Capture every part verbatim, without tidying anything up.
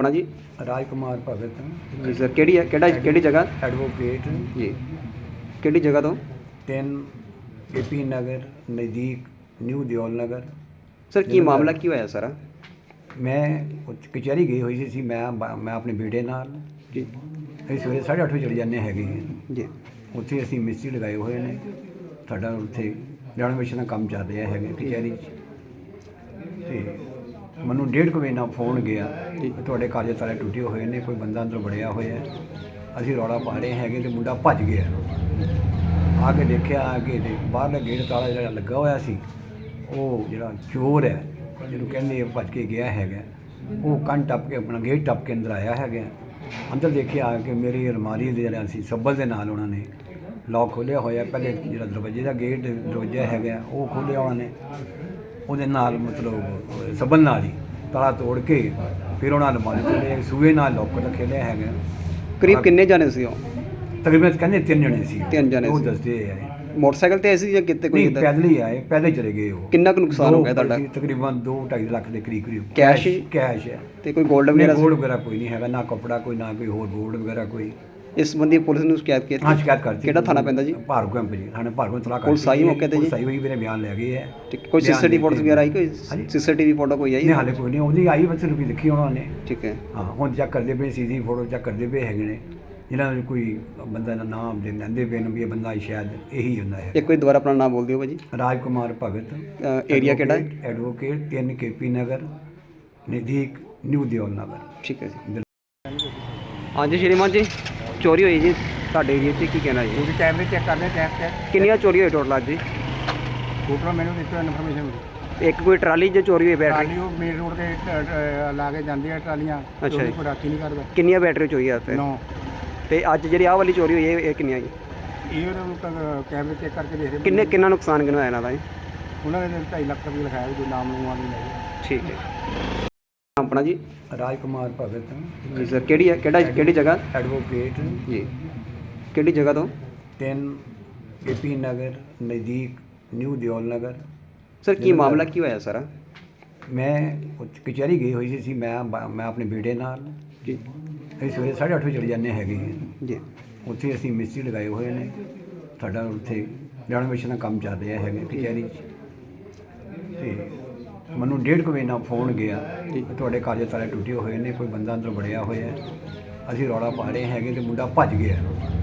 अपना जी राज कुमार भगत जी सर केड़ी है केड़ा केड़ी जगह एडवोकेट जी केड़ी जगह तो तीन ए पी नगर नज़दीक न्यू दियोल नगर। सर की मामला की होया सारा? मैं ਉੱਥੇ ਕਚਹਿਰੀ ਗਈ ਹੋਈ ਸੀ ਮੈਂ ਮੈਂ ਆਪਣੇ ਬੇਟੇ ਨਾਲ ਜੀ ਅਸੀਂ ਸਵੇਰੇ ਸਾਢੇ ਅੱਠ ਵਜੇ ਚਲੇ ਜਾਂਦੇ ਹੈਗੇ ਜੀ ਉੱਥੇ ਅਸੀਂ ਮਿਸਤਰੀ ਲਗਾਏ ਹੋਏ ਨੇ। ਸਾਡਾ ਉੱਥੇ ਰੈਨੋਵੇਸ਼ਨ ਦਾ ਕੰਮ ਚੱਲ ਰਿਹਾ ਹੈਗਾ ਕਚਹਿਰੀ 'ਚ ਅਤੇ ਮੈਨੂੰ ਡੇਢ ਕੁ ਵਜੇ ਨਾਲ ਫੋਨ ਗਿਆ ਕਿ ਤੁਹਾਡੇ ਘਰ ਦੇ ਤਾਲੇ ਟੁੱਟੇ ਹੋਏ ਨੇ, ਕੋਈ ਬੰਦਾ ਅੰਦਰ ਵੜਿਆ ਹੋਇਆ। ਅਸੀਂ ਰੌਲਾ ਪਾ ਰਹੇ ਹੈਗੇ ਅਤੇ ਮੁੰਡਾ ਭੱਜ ਗਿਆ। ਆ ਕੇ ਦੇਖਿਆ ਆ ਕੇ ਤੇ ਬਾਹਰਲਾ ਗੇਟ ਤਾਲਾ ਜਿਹੜਾ ਲੱਗਾ ਹੋਇਆ ਸੀ ਉਹ ਜਿਹੜਾ ਚੋਰ ਹੈ ਜਿਹਨੂੰ ਕਹਿੰਦੇ ਭੱਜ ਕੇ ਗਿਆ ਹੈਗਾ ਉਹ ਕੰਨ ਟੱਪ ਕੇ ਆਪਣਾ ਗੇਟ ਟੱਪ ਕੇ ਅੰਦਰ ਆਇਆ ਹੈਗਾ। ਅੰਦਰ ਦੇਖਿਆ ਆ ਕੇ ਮੇਰੀ ਅਲਮਾਰੀ ਦੇ ਜਿਹੜਾ ਸੀ ਸੱਬਲ ਦੇ ਨਾਲ ਉਹਨਾਂ ਨੇ ਲੌਕ ਖੋਲ੍ਹਿਆ ਹੋਇਆ। ਪਹਿਲੇ ਜਿਹੜਾ ਦਰਵਾਜ਼ੇ ਦਾ ਗੇਟ ਦਰਵਾਜ਼ਾ ਹੈਗਾ ਉਹ ਖੋਲ੍ਹਿਆ ਉਹਨਾਂ ਨੇ, ਉਹਦੇ ਨਾਲ ਮਤਲਬ ਸੱਬਲ ਨਾਲ ਹੀ ਤਾਲਾ ਤੋੜ ਕੇ ਫਿਰ ਉਹਨਾਂ ਅਲਮਾਰੀ ਖੋਲ੍ਹਿਆ, ਸੂਏ ਨਾਲ ਲੋਕ ਰੱਖੇ ਲਿਆ ਹੈਗਾ। ਕਰੀਬ ਕਿੰਨੇ ਜਾਣੇ ਸੀ ਉਹ? ਤਕਰੀਬਨ ਕਹਿੰਦੇ ਤਿੰਨ ਜਣੇ ਸੀ। ਤਿੰਨ ਜਣੇ ਉਹ ਸੀ। ਦੱਸਦੇ ਆ ਮੋਟਰਸਾਈਕਲ ਤੇ ਐਸੀ ਜਾਂ ਕਿਤੇ ਕੋਈ ਨਹੀਂ ਪੈਦਲ ਹੀ ਆਏ, ਪੈਦਲ ਚਲੇ ਗਏ ਉਹ। ਕਿੰਨਾ ਕੁ ਨੁਕਸਾਨ ਹੋ ਗਿਆ ਤੁਹਾਡਾ? ਤਕਰੀਬਨ ਦੋ ਢਾਈ ਲੱਖ ਦੇ ਕਰੀਬ ਕਰੀਬ ਕੈਸ਼ ਕੈਸ਼ ਹੈ ਤੇ ਕੋਈ ਗੋਲਡ ਵਗੈਰਾ? ਗੋਲਡ ਵਗੈਰਾ ਕੋਈ ਨਹੀਂ ਹੈਗਾ, ਨਾ ਕੱਪੜਾ ਕੋਈ, ਨਾ ਕੋਈ ਹੋਰ ਗੋਲਡ ਵਗੈਰਾ ਕੋਈ। ਇਸ ਸੰਬੰਧੀ ਪੁਲਿਸ ਨੂੰ ਸ਼ਿਕਾਇਤ ਕੀਤੀ? ਹਾਂ ਸ਼ਿਕਾਇਤ ਕਰਤੀ। ਕਿਹੜਾ ਥਾਣਾ ਪੈਂਦਾ ਜੀ? ਭਾਰਗੋ ਕੈਂਪ ਜੀ, ਥਾਣੇ ਭਾਰਗੋ ਤਲਾਕ ਕਰ। ਪੁਲਿਸ ਆਈ ਮੌਕੇ ਤੇ ਜੀ? ਸਹੀ ਹੋਈ, ਮੇਰੇ ਬਿਆਨ ਲੈ ਗਏ ਹੈ। ਠੀਕ, ਕੋਈ ਸੀਸੀਟੀਵੀ ਫੋਟੋ ਵਗੈਰਾ ਆਈ? ਕੋਈ ਸੀਸੀਟੀਵੀ ਫੋਟੋ ਕੋਈ ਆਈ? ਨਹੀਂ ਹਾਲੇ ਕੋਈ ਨਹੀਂ, ਉਹਦੀ ਆਈ ਬੱਚੇ ਨੂੰ ਵੀ ਦੇਖੀ ਉਹਨਾਂ ਨੇ। ਠੀਕ ਹੈ ਹਾਂ ਹੁਣ ਚੈੱਕ ਕਰਦੇ ਪਏ, ਸੀਸੀ ਫੋਟੋ ਚੈੱਕ ਕਰਦੇ ਪਏ ਹੈਗੇ ਨੇ। ਜਿਹਨਾਂ ਨੂੰ ਕੋਈ ਬੰਦਾ ਦਾ ਨਾਮ ਦੇ ਲੈਂਦੇ ਪਏ ਨੇ ਵੀ ਇਹ ਬੰਦਾ ਸ਼ਾਇਦ ਇਹੀ ਹੁੰਦਾ ਹੈ। ਇੱਕ ਕੋਈ ਦੁਬਾਰਾ ਆਪਣਾ ਨਾਮ ਬੋਲ ਦਿਓ ਭਾਜੀ। ਰਾਜ ਕੁਮਾਰ ਭਗਤ, ਏਰੀਆ ਕਿਹੜਾ ਹੈ? ਐਡਵੋਕੇਟ ਤਿੰਨ ਕੇ ਪੀ ਨਗਰ ਨਜ਼ਦੀਕ ਨਿਊ ਦਿਓਲ ਨਗਰ। ਠੀਕ ਹੈ ਜੀ। ਹਾਂਜੀ ਸ਼੍ਰੀਮਾਨ ਜੀ, ਚੋਰੀ ਹੋਈ ਜੀ ਤੁਹਾਡੇ ਏਰੀਆ 'ਚ, ਕੀ ਕਹਿਣਾ ਜੀ? ਕਿਉਂਕਿ ਕੈਮਰੇ ਚੈੱਕ ਕਰਦੇ ਚੈੱਕ ਚੈੱਕ ਕਿੰਨੀਆਂ ਚੋਰੀ ਹੋਈ ਟੋਟਲ ਅੱਜ ਜੀ? ਟੋਟਲ ਮੈਨੂੰ ਦਿੱਤੀ ਇਨਫੋਰਮੇਸ਼ਨ ਮਿਲੀ। ਇੱਕ ਕੋਈ ਟਰਾਲੀ 'ਚ ਚੋਰੀ ਹੋਈ ਬੈਟਰੀ? ਟਰਾਲੀ ਉਹ ਮੇਨ ਰੋਡ ਤੇ ਲਾ ਕੇ ਜਾਂਦੀ ਹੈ ਟਰਾਲੀਆਂ। ਅੱਛਾ ਜੀ। ਕੋਈ ਰਾਖੀ ਨਹੀਂ ਕਰਦਾ। ਕਿੰਨੀਆਂ ਬੈਟਰੀ ਚੋਰੀ ਆ ਉੱਥੇ? ਨੌ। ਤੇ ਅੱਜ ਜਿਹੜੀ ਆਹ ਵਾਲੀ ਚੋਰੀ ਹੋਈ ਇਹ ਇਹ ਕਿੰਨੀਆਂ ਜੀ? ਇਹ ਉਹਨਾਂ ਕੈਮਰੇ ਚੈੱਕ ਕਰਕੇ ਦੇਖਦੇ ਕਿੰਨੇ ਕਿੰਨਾ ਨੁਕਸਾਨ ਕਿੰਨਾ ਹੋਇਆ ਇਹਨਾਂ ਦਾ ਜੀ? ਉਹਨਾਂ ਨੇ ਢਾਈ ਲੱਖ ਰੁਪਏ ਲਿਖਾਇਆ ਕੋਈ ਨਾਮ ਨੂੰ ਆ ਨਹੀਂ। ਠੀਕ ਹੈ। ਆਪਣਾ ਜੀ ਰਾਜ ਕੁਮਾਰ ਭਗਤ ਜੀ ਸਰ ਕਿਹੜੀ ਹੈ ਕਿਹੜਾ ਕਿਹੜੀ ਜਗ੍ਹਾ? ਐਡਵੋਕੇਟ ਜੀ ਕਿਹੜੀ ਜਗ੍ਹਾ ਤੋਂ? ਤਿੰਨ ਏ ਪੀ ਨਗਰ ਨਜ਼ਦੀਕ ਨਿਊ ਦਿਓਲ ਨਗਰ। ਸਰ ਕੀ ਮਾਮਲਾ ਕੀ ਹੋਇਆ ਸਾਰਾ? ਮੈਂ ਉੱਥੇ ਕਚਹਿਰੀ ਗਈ ਹੋਈ ਸੀ ਮੈਂ ਮੈਂ ਆਪਣੇ ਬੇਟੇ ਨਾਲ ਜੀ ਅਸੀਂ ਸਵੇਰੇ ਸਾਢੇ ਅੱਠ ਵਜੇ ਚਲੇ ਜਾਂਦੇ ਹੈਗੇ ਜੀ ਉੱਥੇ ਅਸੀਂ ਮਿਸਤਰੀ ਲਗਾਏ ਹੋਏ ਨੇ। ਸਾਡਾ ਉੱਥੇ ਰੈਨੋਵੇਸ਼ਨ ਦਾ ਕੰਮ ਚੱਲ ਰਿਹਾ ਹੈਗਾ ਕਚਹਿਰੀ 'ਚ ਅਤੇ ਮੈਨੂੰ ਡੇਢ ਕੁ ਵਜੇ ਨਾਲ ਫੋਨ ਗਿਆ ਕਿ ਤੁਹਾਡੇ ਘਰ ਦੇ ਤਾਲੇ ਟੁੱਟੇ ਹੋਏ ਨੇ, ਕੋਈ ਬੰਦਾ ਅੰਦਰ ਵੜਿਆ ਹੋਇਆ। ਅਸੀਂ ਰੌਲਾ ਪਾ ਰਹੇ ਹੈਗੇ ਅਤੇ ਮੁੰਡਾ ਭੱਜ ਗਿਆ।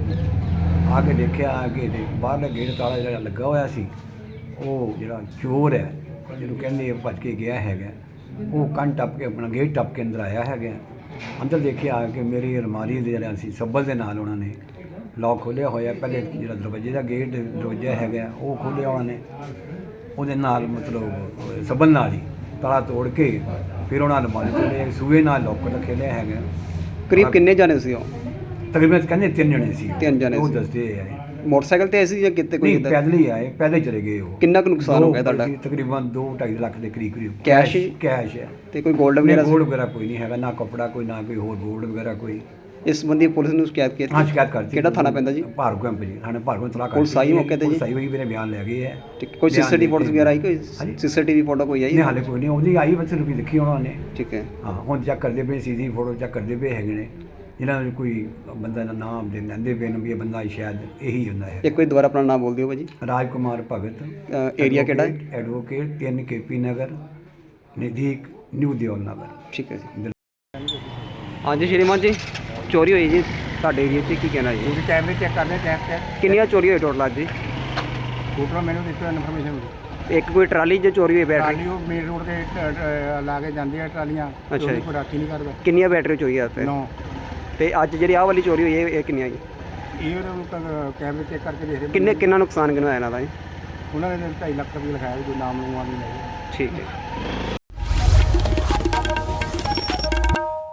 ਆ ਕੇ ਦੇਖਿਆ ਆ ਕੇ ਤੇ ਬਾਹਰਲਾ ਗੇਟ ਤਾਲਾ ਜਿਹੜਾ ਲੱਗਾ ਹੋਇਆ ਸੀ ਉਹ ਜਿਹੜਾ ਚੋਰ ਹੈ ਜਿਹਨੂੰ ਕਹਿੰਦੇ ਭੱਜ ਕੇ ਗਿਆ ਹੈਗਾ ਉਹ ਕੰਨ ਟੱਪ ਕੇ ਆਪਣਾ ਗੇਟ ਟੱਪ ਕੇ ਅੰਦਰ ਆਇਆ ਹੈਗਾ। ਅੰਦਰ ਦੇਖਿਆ ਆ ਕੇ ਮੇਰੀ ਅਲਮਾਰੀ ਦੇ ਜਿਹੜਾ ਸੀ ਸੱਬਲ ਦੇ ਨਾਲ ਉਹਨਾਂ ਨੇ ਲੌਕ ਖੋਲ੍ਹਿਆ ਹੋਇਆ। ਪਹਿਲੇ ਜਿਹੜਾ ਦਰਵਾਜ਼ੇ ਦਾ ਗੇਟ ਦਰਵਾਜ਼ਾ ਹੈਗਾ ਉਹ ਖੋਲ੍ਹਿਆ ਉਹਨਾਂ ਨੇ, ਉਹਦੇ ਨਾਲ ਮਤਲਬ ਸੱਬਲ ਨਾਲ ਹੀ ਤਾਲਾ ਤੋੜ ਕੇ ਫਿਰ ਉਹਨਾਂ ਅਲਮਾਰੀ ਖੋਲ੍ਹਿਆ, ਸੂਏ ਨਾਲ ਲੋਕ ਰੱਖੇ ਲਿਆ ਹੈਗਾ। ਕਰੀਬ ਕਿੰਨੇ ਜਾਣੇ ਸੀ ਉਹ? ਤਕਰੀਬਨ ਕਹਿੰਦੇ ਤਿੰਨ ਜਣੇ ਸੀ। ਤਿੰਨ ਜਣੇ ਉਹ ਸੀ। ਦੱਸਦੇ ਆ। ਮੋਟਰਸਾਈਕਲ ਤੇ ਐਸੀ ਜਾਂ ਕਿਤੇ ਕੋਈ ਨਹੀਂ ਪੈਦਲ ਹੀ ਆਏ, ਪੈਦਲ ਚਲੇ ਗਏ ਉਹ। ਕਿੰਨਾ ਕੁ ਨੁਕਸਾਨ ਹੋ ਗਿਆ ਤੁਹਾਡਾ? ਤਕਰੀਬਨ ਦੋ ਢਾਈ ਲੱਖ ਦੇ ਕਰੀਬ ਕਰੀਬ ਕੈਸ਼ ਕੈਸ਼ ਹੈ ਤੇ ਕੋਈ ਗੋਲਡ ਵਗੈਰਾ? ਗੋਲਡ ਵਗੈਰਾ ਕੋਈ ਨਹੀਂ ਹੈਗਾ, ਨਾ ਕੱਪੜਾ ਕੋਈ, ਨਾ ਕੋਈ ਹੋਰ ਗੋਲਡ ਵਗੈਰਾ ਕੋਈ। ਇਸ ਸੰਬੰਧੀ ਪੁਲਿਸ ਨੂੰ ਸ਼ਿਕਾਇਤ ਕੀਤੀ? ਹਾਂ ਸ਼ਿਕਾਇਤ ਕਰਤੀ। ਕਿਹੜਾ ਥਾਣਾ ਪੈਂਦਾ ਜੀ? ਭਾਰਗੋ ਕੈਂਪ ਜੀ, ਥਾਣੇ ਭਾਰਗੋ ਤਲਾਕ ਕਰ। ਪੁਲਿਸ ਆਈ ਮੌਕੇ ਤੇ ਜੀ? ਸਹੀ ਹੋਈ, ਮੇਰੇ ਬਿਆਨ ਲੈ ਗਏ ਹੈ। ਠੀਕ, ਕੋਈ ਸੀਸੀਟੀਵੀ ਫੋਟੋ ਵਗੈਰਾ ਆਈ? ਕੋਈ ਸੀਸੀਟੀਵੀ ਫੋਟੋ ਕੋਈ ਆਈ? ਨਹੀਂ ਹਾਲੇ ਕੋਈ ਨਹੀਂ, ਉਹਦੀ ਆਈ ਬੱਚੇ ਨੂੰ ਵੀ ਦੇਖੀ ਉਹਨਾਂ ਨੇ। ਠੀਕ ਹੈ। ਹਾਂ ਹੁਣ ਚੈੱਕ ਕਰਦੇ ਪਏ, ਸੀਸੀ ਫੋਟੋ ਚੈੱਕ ਕਰਦੇ ਪਏ ਹੈਗੇ ਨੇ। ਜਿਹਨਾਂ ਨੂੰ ਕੋਈ ਬੰਦਾ ਦਾ ਨਾਮ ਦੇ ਲੈਂਦੇ ਪਏ ਨੇ ਵੀ ਇਹ ਬੰਦਾ ਸ਼ਾਇਦ ਇਹੀ ਹੁੰਦਾ ਹੈ। ਇੱਕ ਕੋਈ ਦੁਬਾਰਾ ਆਪਣਾ ਨਾਮ ਬੋਲ ਦਿਓ ਭਾਜੀ। ਰਾਜ ਕੁਮਾਰ ਭਗਤ, ਏਰੀਆ ਕਿਹੜਾ ਹੈ? ਐਡਵੋਕੇਟ ਤਿੰਨ ਕੇ ਪੀ ਨਗਰ ਨਜ਼ਦੀਕ ਨਿਊ ਦਿਓਲ ਨਗਰ। ਠੀਕ ਹੈ ਜੀ। ਹਾਂਜੀ ਸ਼੍ਰੀਮਾਨ ਜੀ, ਚੋਰੀ ਹੋਈ ਜੀ ਤੁਹਾਡੇ ਏਰੀਆ 'ਚ, ਕੀ ਕਹਿਣਾ ਜੀ? ਕਿਉਂਕਿ ਕੈਮਰੇ ਚੈੱਕ ਕਰਦੇ ਚੈੱਕ ਚੈੱਕ ਕਿੰਨੀਆਂ ਚੋਰੀ ਹੋਈ ਟੋਟਲ ਅੱਜ ਜੀ? ਟੋਟਲ ਮੈਨੂੰ ਦਿੱਤੀ ਇਨਫੋਰਮੇਸ਼ਨ ਮਿਲੀ। ਇੱਕ ਕੋਈ ਟਰਾਲੀ 'ਚ ਚੋਰੀ ਹੋਈ ਬੈਟਰੀ? ਟਰਾਲੀ ਉਹ ਮੇਨ ਰੋਡ ਤੇ ਲਾ ਕੇ ਜਾਂਦੀ ਹੈ ਟਰਾਲੀਆਂ। ਅੱਛਾ ਜੀ। ਕੋਈ ਰਾਖੀ ਨਹੀਂ ਕਰਦਾ। ਕਿੰਨੀਆਂ ਬੈਟਰੀ ਚੋਰੀ ਆ ਉੱਥੇ? ਨੌ। ਤੇ ਅੱਜ ਜਿਹੜੀ ਆਹ ਵਾਲੀ ਚੋਰੀ ਹੋਈ ਇਹ ਇਹ ਕਿੰਨੀਆਂ ਜੀ? ਇਹ ਉਹਨਾਂ ਕੈਮਰੇ ਚੈੱਕ ਕਰਕੇ ਦੇਖਦੇ ਕਿੰਨੇ ਕਿੰਨਾ ਨੁਕਸਾਨ ਕਿੰਨਾ ਹੋਇਆ ਇਹਨਾਂ ਦਾ ਜੀ? ਉਹਨਾਂ ਨੇ ਢਾਈ ਲੱਖ ਰੁਪਏ ਲਿਖਾਇਆ ਕੋਈ ਨਾਮ ਨੂੰ ਆ ਨਹੀਂ। ਠੀਕ ਹੈ।